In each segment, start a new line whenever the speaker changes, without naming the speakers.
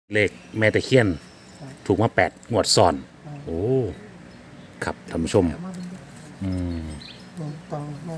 เลขแม่ตะเคียนถูกมา8 งวดซ้อนโอ้ครับท่านผู้ชมอืม
ต้องมา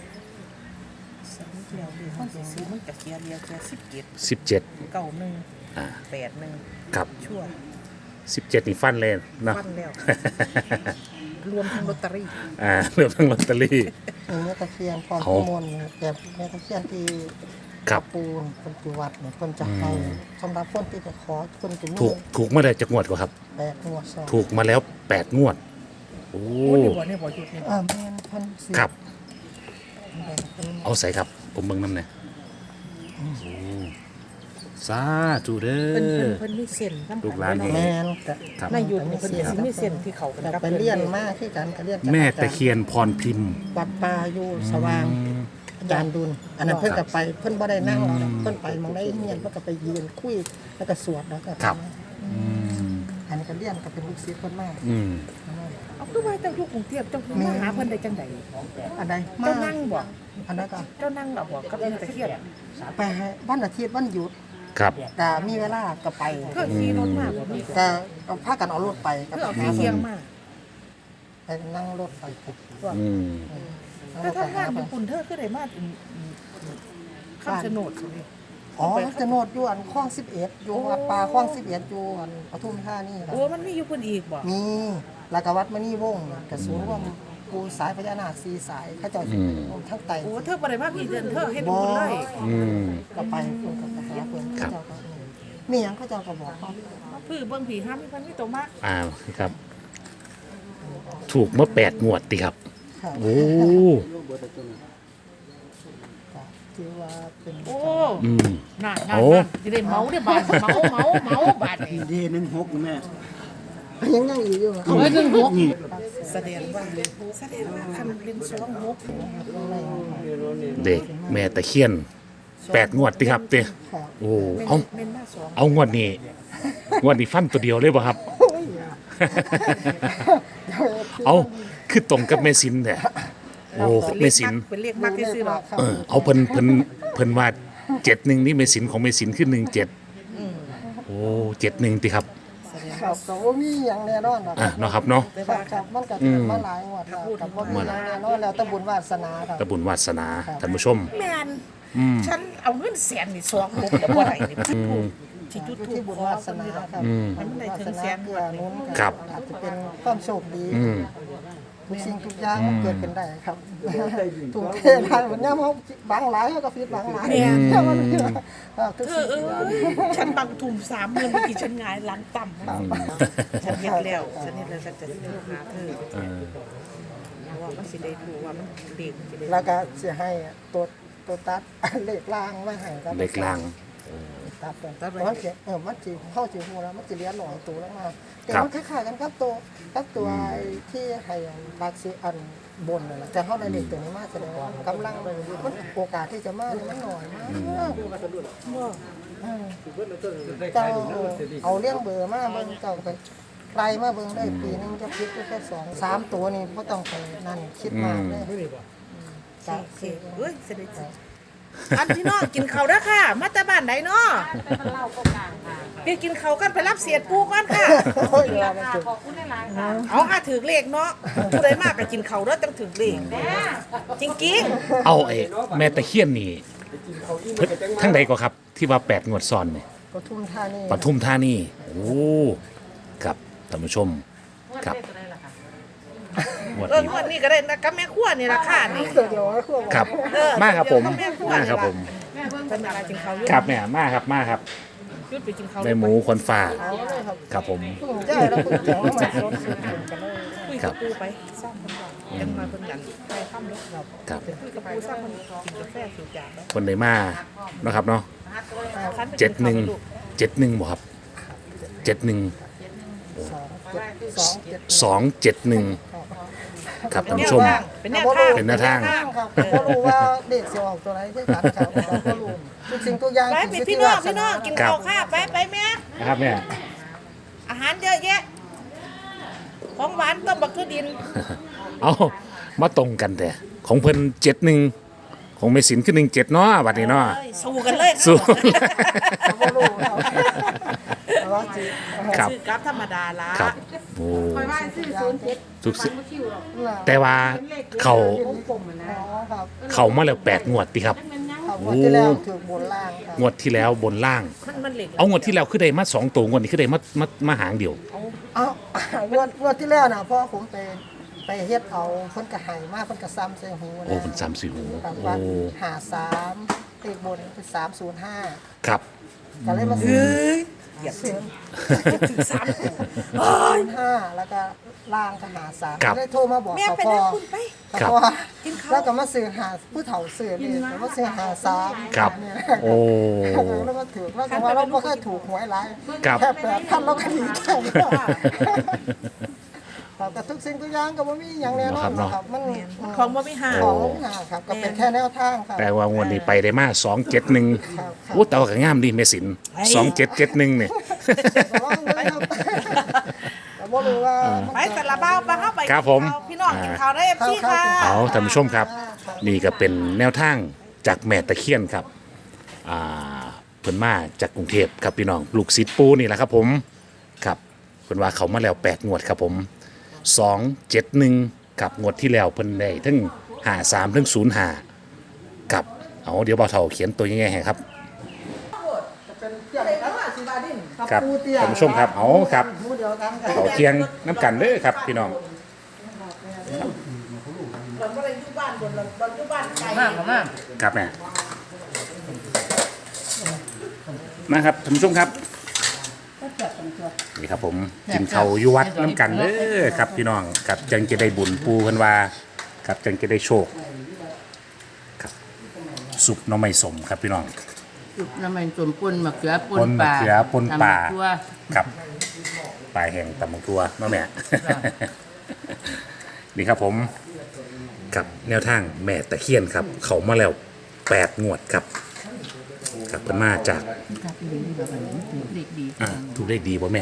มันสิซื้อมันกะเคียเรียวแค่
17
91
อ่า
81
ครับ
ชั่ว
17นี่ฟันเลยเนาะ
ฟันแล้ว รวมทั้งลอตเตอรี่
เรื่องทั้งลอตเตอรี่
แม่ตะเคียนพร
เขา
พิมลแบบแม่ตะเคียนที่
ครับ
ปูนคนที่วัดเนี่ยคนจะให้สำหรับคนที่จะขอคนจะมี
ถูกมาได้จากงวดกว่าครับ
8 งวดซ้อน
ถูกมาแล้ว8 งวดโอ้
โอ้นี่บ่นี่บ่หยุดนี่
แม่นเพิ่นสิ
ครับ
แม่นเพิ่น
เอาใส่ครับผมเบิ่งน้ำเนี่ยโอ้สาธุเด้
เพิ่น
อ
มีเส้นนำ
ลูกหลาน
แม่นก็
ครับ
ในหยุดนี่เพิ่นสิมีเส้นที่เขากัน
แต่
กับ
ไปเรียนมาที่กันก็เรียนจาก
แม่
อาจาร
ตะเคียนพรพิมพ์
วัดป่าอยู่สว่างอาจารย์ดุลอันนั้นเพิ่นก็ไปเพิ่นบ่ได้นั่งหรอกเพิ่นไปมองได้เรียนเพิ่นก็ไปยืนคุยแล้วก็สวดแล้วก็
ครับอืม
อันนี้ก็เรียนก็เป็นลูกศิษย์เพิ่นมาก
อืม
เอาคือว่าเจ้าอยู่กรุงเทพเจ้ามาหาเพิ่นได้จังได๋
อันใดมา
เจ้านั่งบ่
อันนั้นก็
เจ้านั่งบ่บ่กับแม่ตะเคียน
ไปให้วันอาทิตย์วันหยุด
ครับ
แต่มีเวลาก็ไป
เธอขี่รถมาบ่มี
แต่เอาพากันเอารถไปก็
เธอ
ไป
เอา
หา
เคียง
เพิ่น
มา
ไปนั่งรถไป
อืม
เธอทำงานอยู่ปุ่นเธอคือได้มาคำชะโนดสิ
อ๋อจะโนดอยู่อันคลอง11อยู่วัดป่าคลอง11อยู่อันปทุมธานีครับ
โอ้มันมีอยู่เพิ่นอีกบ่
มีแล้วก็วัดมณีวงศ์กระสูงว่าปูสายพญานาค4 สายเขาเจ้าสิเป็นทั้งไต
โอ้เธอบ่ได้มาพี่เดือนเธอเฮ็ดบุญเลย
อืม
ก็ไปเพิ่นก็ไปหาเพิ่น
ครับ
เขาเจ้าก็มีหยังเขาเจ้าก็บอกเขา
พื้เบิ่งผีห้ามมีเพิ่นมีตัวมาก
ครับ ถูกเมื่อ8 งวดติครับ
ครับ
โอ้
ที่ว่าเป็น
โอ้
อืม
น่า
โอ้
สิได้เมาได้บาทเมาบาทนี่
ดี16แม่
ยังอีกอยู่
เอาไว้16นี่
แสดงว่าคันเป็นสองมุก
เด็กแม่ตะเคียน8 งวดติครับเต้โอ้เอา
เม่นมาสอง
เอางวดนี้ฟันตัวเดียวเลยป่ะครับ เอาคือตรงกับแม่สินเนี่ยโอ้แม่สิน
เป็นเลขมักที่ซื้อหรอก
เอาเพิ่นว่า71นี่แม่สินของแม่สินคือ17โอ้71ติครับ
ครับก็บ่มีหยังแน่นอนหรอก
เนาะครับเนาะ
ครับมันก็มาหลายงวดแล้วกับบ่มีหยังแน่นอนแล้วแต่บุญวาสนาครับ
ตะบุญวาสนาท่านผู้ชม
แม่นฉันเอาเงินแสนนี่สองมุกแล้วบ่ได้นี่ที่จุด
อยู่
ทู
ที่
บ
บุญ
ขอ
วาสนาครับ
มันได้ถึงแสน
เพื่อนู้น
ครับ
อาจจะเป็นความโชคดี
อืม
ทุกสิ่งทุกอย่างมันเกิดขึ้นได้ครับถูกเทได้เหมือนย่ำเขาบางหลายเขาก็ฟิตบางหลายเนี่ยมันทุก
เธ
สิ่
องฉันบางทุ่ม3,000เมื่อกี้ฉันหงายหลังต่ำฉันเฮ็ดแล้วฉันจะซื้อหาเธอว่ามันสิได้รู้ว่ามันเด็กสิได้
แล้วก็จะให้ตัวตัดเลขล่างมาให้ครับ
เล็กลาง
ตัดไปมันจะมันจะเข้าจิหูแล้วมันจะเลี้ยงหน่อยตัวแล้วมาแต่มันคล้ายๆกันครับตัวที่ให้บักซีอันบนนั่นแหละแต่เขาได้เลขตัวนี้มาแสดงว่ากำลังมันโอกาสที่จะมามันหน่อยมากเจ้าเอาเลี้ยงเบอร์มาเบิ่งเจ้าไปไกลมาเบิ่งได้ปีนึงจะคิดแค่2-3 ตัวนี่บ่ต้องไปนั่นคิดมากเลย
โอเคเอ้ยเสด็จอันพี่น้องกินข้าวเด้อค่ะ มาแต่บ้านไหนเนาะไปกินข้าวกันไปรับเสียดปูก่อนค่ะ เอาถือเลขเนาะผู้ใดมากก็กินข้าวเด้อต้องถือเลขจริง
เอาไอ้แม่ตะเคียนนี่เพิ่นทั้งใดก็ครับ ที่ว่า8 งวดซ้อนนี่
ปทุมธานี
ปทุมธานีโอ้ครับท่านผู้ชมครับงวด
ๆ
นี้
งวดนี้ก็ได้นะกับแม่ครัวนี่ราคานี่
เดี๋ยวให้ควบ
ครับมาครับผมมาครับผม
เพิ่นมากินข้าวอยู่
ครับแม่มาครับมาครับ
ยุดไปกินข้าว
แม่หมูคนฟ้าครับผม
ใช่แล้วคุณเจ๋งมาสดสุดกันเลย
คุยกับปูไปสร้างเพิ่นว่ายังมาเพิ่นกันไปค่ำเนาะเรา
ครับ
คุยกับปูสร้างเพิ่นกินกาแฟสูบยาเนาะ
คนใดมาเนาะครับเนาะ
คันไปกินข้าวลูก
71บ่ครับ71 271ครับท่านผู้ชม
เป็นแนวทาง
เป็นแนวทาง
ครับก็รู้ว่าเด็กเสียออกตัวไหนที่การครับก็รู้ทุกสิ่งทุกอย่าง
ไปเป็นพี่น้องกินข้าวค่ะไปแม่
นะครับเนี่ย
อาหารเยอะแยะ ของหวานต้มบักทุดิน
เอามาตรงกันแต่ของเพิ่น71ของเมสินคือ17เนาะบัดนี้เนาะ
สู้กันเลย
สู้
ก็รู้ครับว่าจี
ครับ
ซื้อกราฟธรรมดาละ
ครับโอ้
คอยว่าซื้อ07
ทุกสิ
ฟันบ่คิวหรอก
แต่ว่าเขา
กลมๆอะนะ
ครับ
เขามาแล้ว8งวดติครับ
มันยัง
ครับงวดที่แล้วถือบนล่างครับ
งวดที่แล้วบนล่าง
มันเหล็ก
เอางวดที่แล้วคือได้มา2ตัวงวดนี้คือได้มาหางเดียว
เอางวดที่แล้วนะเพราะผมไปเฮ็ดเอาเพิ่นก็ให้มาเพิ่นก็ซ้ำใส่หูนะ
โอ้เป็น3-4หู
ครับ
โอ้
ว่า53เลขบนเป็น305
ครับ
ก็เลยมาซื้อ
เหยียบ
ซื้อ
ถึง3ตัว
05แล้วก็ล่างก็53
ครับ
ก็เลยโทรมาบอก
แม่
เขา
ไป
พอ
นะคุณไป
ครับ
พอแล้วก็มาซื้อหาผู้เฒ่าซื้อนี่แล้วมาซื้อ53
ครับ
เนี่ย
โอ้
แล้วก็ถูกแล้วก็ว่าเราบ่เคยถูกหวยหลาย
ครับ
แค่8,000เราก็ดีใจครับแต่ทุกสิ่งทุกอย่างก็บ่มีหยังแน่นอนนะครับมัน
ของบ่มีหา
ของบ่มีหาครับก็เป็นแค่แนวทางครับ
แต่ว่างวดนี้ไปได้มา271
ครับ
โอ้แต่ว่าก็งามดีแม่สิน2771เนี่ย
ระวังเลยครับแต่บ่รู้ว่ามัน
ไปสารบ้าไปเข้าไป
ครับผม
พี่น้องกินข้าวได้ FC ค่ะ
เอาท่านผู้ชมครับ นี่ก็เป็นแนวทางจากแม่ตะเคียนครับเพิ่นมาจากกรุงเทพครับพี่น้องลูกศิษย์ปูนี่แหละครับผมครับเพิ่นว่าเขามาแล้ว8งวดครับผม271กับงวดที่แล้วเพิ่นได้ทั้ง53ทั้ง05กับเอาเดี๋ยวบ่าวเฒ่าเขียนตัวยังไงให้ครับ
เป็นเกี่ยวกับสิบาดิน
ครับ
ปูเตี้ย
ท่านผู้ชมครับเอาครับ
หมูเดียวกันครับ
เขาเคียงน้ำกันเด้อครับพี่น้อง
เราก็เลยอยู่บ้านบนเราอยู่บ้านไกล
ครับแม่มาครับท่านผู้ชมครับนี่ครับผมกินเขาวอยู่วัดน้ำกันเด้อครับพี่น้องครับจังจะได้บุญปูเพิ่นว่าครับจังจะได้โชคครับสุปหน้ำไม่สมครับพี่น้อง
น้ำมันส่วนป่นมะเขือป่
ป่น
น
มะ
ป่า
เขือป่นป่า
ตำตัว
ครับปลายแห่งตำบักทัวเนาะแม่ นี่ครับผมกับแนวทางแม่ตะเคียนครับ เขามาแล้ว8งวดครับครับเพิ่นมาจาก
ครับดีดีแบบนี้เด็กดี
ถูกเลขดีป่ะแม่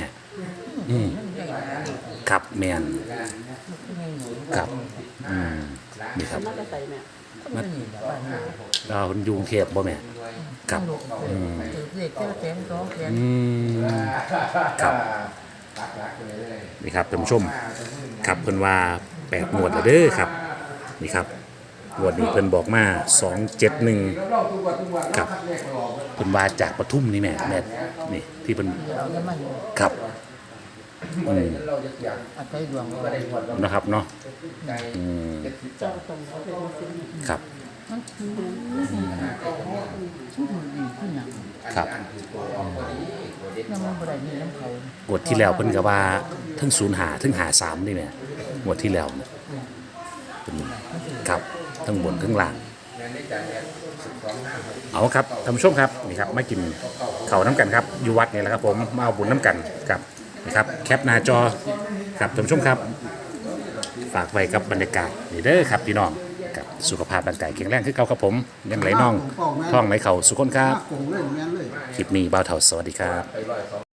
ครับแมนครับนี่ครับเราคนอยุงเทพบ่แม่ครับ
เด็กเจ้าแสนสองแสน
ครับนี่ครับท่านผู้ชมครับเพิ่นว่า8งวดแล้วเด้อครับนี่ครับงวดนี้เพิ่นบอกมา271ครับเพิ่นว่าจากปทุมนี่แม่นี่ที่เพิ่น
เอาน้ำมัน
ครับ
อาศัยดวง
นะครับเนาะครับ
มันคือดีขึ้นอย่าง
ครับ
น้ำมันบริมีน้ำเขา
งวดที่แล้วเพิ่นก็ว่าทั้ง05ทั้ง53นี่แหละงวดที่แล้วเนี่ยเป็นครับทั้งบนทั้งล่าง เอาครับท่านผู้ชมครับนี่ครับมากินข้าวน้ำกันครับอยู่วัดนี่แหละครับผมมาเอาบุญน้ำกันครับนะครับแคปหน้าจอครับท่านผู้ชมครับฝากไว้กับบรรยากาศนี่เด้อครับพี่น้องกับสุขภาพร่างกายแข็งแรงคือเก่าครับผมยังไหลน่องท่องไหลเข่าสุขคนครับคลิปนี้บ่าวเฒ่าสวัสดีครับ